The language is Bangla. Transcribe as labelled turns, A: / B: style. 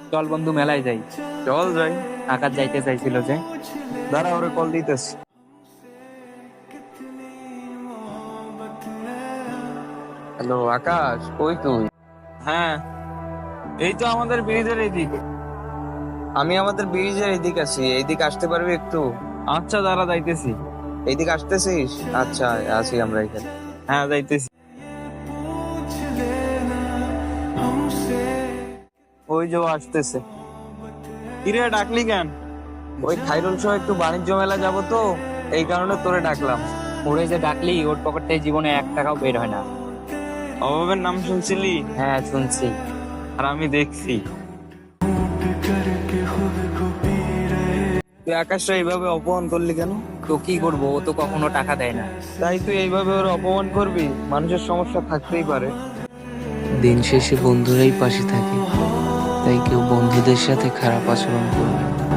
A: চল বন্ধু, মেলায় যাই।
B: চল যাই।
A: আকাশ যাইতে চাইছিল যে।
B: দাঁড়া, ওরে কল দিতেছি। হ্যালো আকাশ, কই তুই?
A: হ্যাঁ, এই তো আমাদের ব্রিজের এইদিকে।
B: আমি আমাদের ব্রিজের এইদিকে আছি, এইদিকে আসতে পারবি একটু?
A: আচ্ছা, দাঁড়া, যাইতেছি।
B: এইদিকে আসতেছিস? আচ্ছা, আছি আমরা এখানে।
A: হ্যাঁ, যাইতেছি। ওই যে ও আসতেছে। কিরে, ডাকলি কেন?
B: ওই খাইরুল সহ একটু বাণিজ্য মেলা যাব তো, এই কারণে তোরে ডাকলাম।
A: ওরে যে ডাকলি, ওর পকেটে জীবনে 1 টাকাও বের হয় না।
B: অভাবের নাম শুনছিলি?
A: হ্যাঁ, শুনছি।
B: আর আমি দেখছি তুই আকাশটা এইভাবে অপমান করলি কেন?
A: তো কি করবো, ও তো কখনো টাকা দেয় না।
B: তাই তুই এইভাবে ওর অপমান করবি? মানুষের সমস্যা থাকতেই পারে।
C: দিন শেষে বন্ধুরাই পাশে থাকে, তাই কেউ বন্ধুদের সাথে খারাপ আচরণ করবে না।